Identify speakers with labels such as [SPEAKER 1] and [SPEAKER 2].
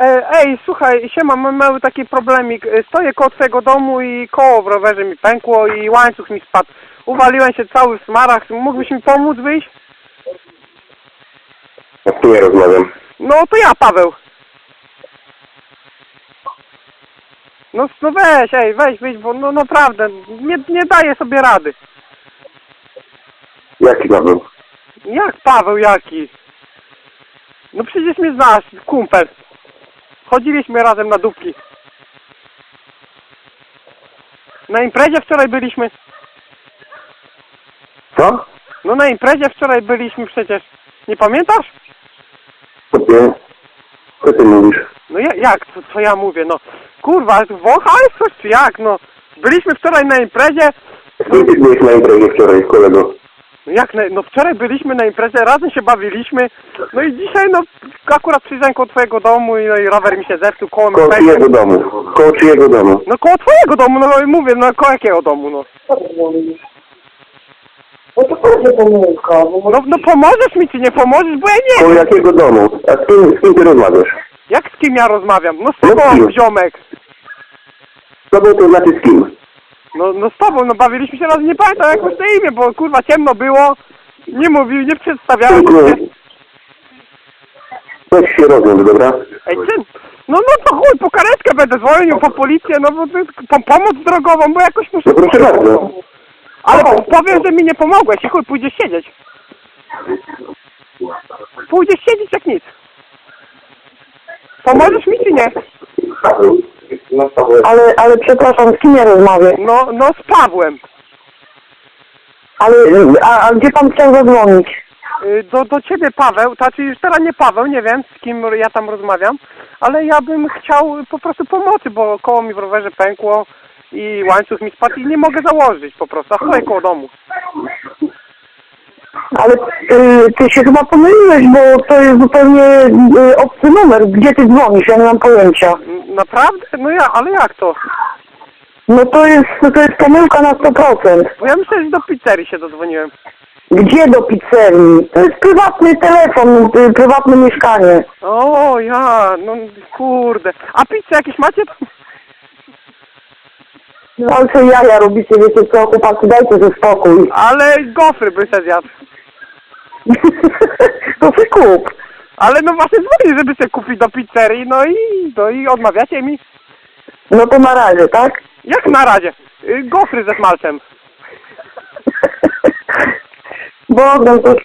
[SPEAKER 1] Ej, słuchaj, siema, mam mały taki problemik. Stoję koło twojego domu i koło w rowerze mi pękło i łańcuch mi spadł. Uwaliłem się cały w smarach. Mógłbyś mi pomóc wyjść?
[SPEAKER 2] Ja tu nie rozmawiam.
[SPEAKER 1] No to ja, Paweł. No weź, wyjdź, bo no naprawdę, nie daję sobie rady.
[SPEAKER 2] Jaki Paweł?
[SPEAKER 1] Jak Paweł, jaki? No przecież mnie znasz, kumpel. Chodziliśmy razem na dupki. Na imprezie wczoraj byliśmy.
[SPEAKER 2] Co?
[SPEAKER 1] No na imprezie wczoraj byliśmy przecież. Nie pamiętasz?
[SPEAKER 2] Co ty mówisz?
[SPEAKER 1] No jak? Co ja mówię? No kurwa, wąchałeś coś czy jak? No byliśmy wczoraj na imprezie.
[SPEAKER 2] Gdzie ty byłeś na imprezie wczoraj, kolego?
[SPEAKER 1] No jak? No wczoraj byliśmy na imprezie, razem się bawiliśmy. No i dzisiaj no akurat przyjrzałem koło twojego domu i, no i rower mi się zepsuł, koło mi
[SPEAKER 2] Koło
[SPEAKER 1] pękło.
[SPEAKER 2] czyjego domu? Koło czyjego domu?
[SPEAKER 1] No koło twojego domu, no i mówię, no koło jakiego domu, no.
[SPEAKER 3] No to będzie pomyłka, bo
[SPEAKER 1] No pomożesz mi czy nie pomożesz, bo ja nie
[SPEAKER 2] Koło
[SPEAKER 1] wiem.
[SPEAKER 2] jakiego domu? A z kim ty rozmawiasz?
[SPEAKER 1] Jak z kim ja rozmawiam? No z
[SPEAKER 2] No z
[SPEAKER 1] tobą,
[SPEAKER 2] kim?
[SPEAKER 1] ziomek.
[SPEAKER 2] Z tobą to znaczy z kim?
[SPEAKER 1] No z tobą, no bawiliśmy się razem, nie pamiętam jak masz na imię, bo kurwa ciemno było. Nie mówił, nie przedstawiałem
[SPEAKER 2] Tylko...
[SPEAKER 1] się.
[SPEAKER 2] Weź się rozmów, dobra?
[SPEAKER 1] Ej, ty, no to chuj, po karetkę będę dzwonił, po policję, no bo pomoc drogową, bo jakoś muszę...
[SPEAKER 2] No proszę bardzo.
[SPEAKER 1] Ale powiem, że mi nie pomogłeś i chuj, pójdziesz siedzieć. Pójdziesz siedzieć jak nic. Pomożesz mi czy nie?
[SPEAKER 3] ale przepraszam, z kim ja rozmawiam?
[SPEAKER 1] No z Pawłem.
[SPEAKER 3] Ale, a gdzie pan chciał zadzwonić?
[SPEAKER 1] Do ciebie Paweł, znaczy już teraz nie Paweł, nie wiem z kim ja tam rozmawiam, ale ja bym chciał po prostu pomocy, bo koło mi w rowerze pękło i łańcuch mi spadł i nie mogę założyć po prostu, a stoję koło domu.
[SPEAKER 3] Ale ty się chyba pomyliłeś, bo to jest zupełnie obcy numer. Gdzie ty dzwonisz? Ja nie mam pojęcia.
[SPEAKER 1] Naprawdę? No ale jak to?
[SPEAKER 3] No to jest pomyłka na 100%.
[SPEAKER 1] Bo ja myślę, że do pizzerii się dodzwoniłem.
[SPEAKER 3] Gdzie do pizzerii? To jest prywatny telefon, prywatne mieszkanie.
[SPEAKER 1] O ja, no kurde. A pizzę jakieś macie tam?
[SPEAKER 3] No ale co jaja robicie, wiecie co, chłopaki, dajcie ze spokój.
[SPEAKER 1] Ale gofry by se zjadł.
[SPEAKER 3] To się kup.
[SPEAKER 1] Ale no właśnie dzwonię, żeby sobie kupić do pizzerii, no i odmawiacie mi.
[SPEAKER 3] No to na razie, tak?
[SPEAKER 1] Jak na razie? Gofry ze smalcem.
[SPEAKER 3] Bogdan, to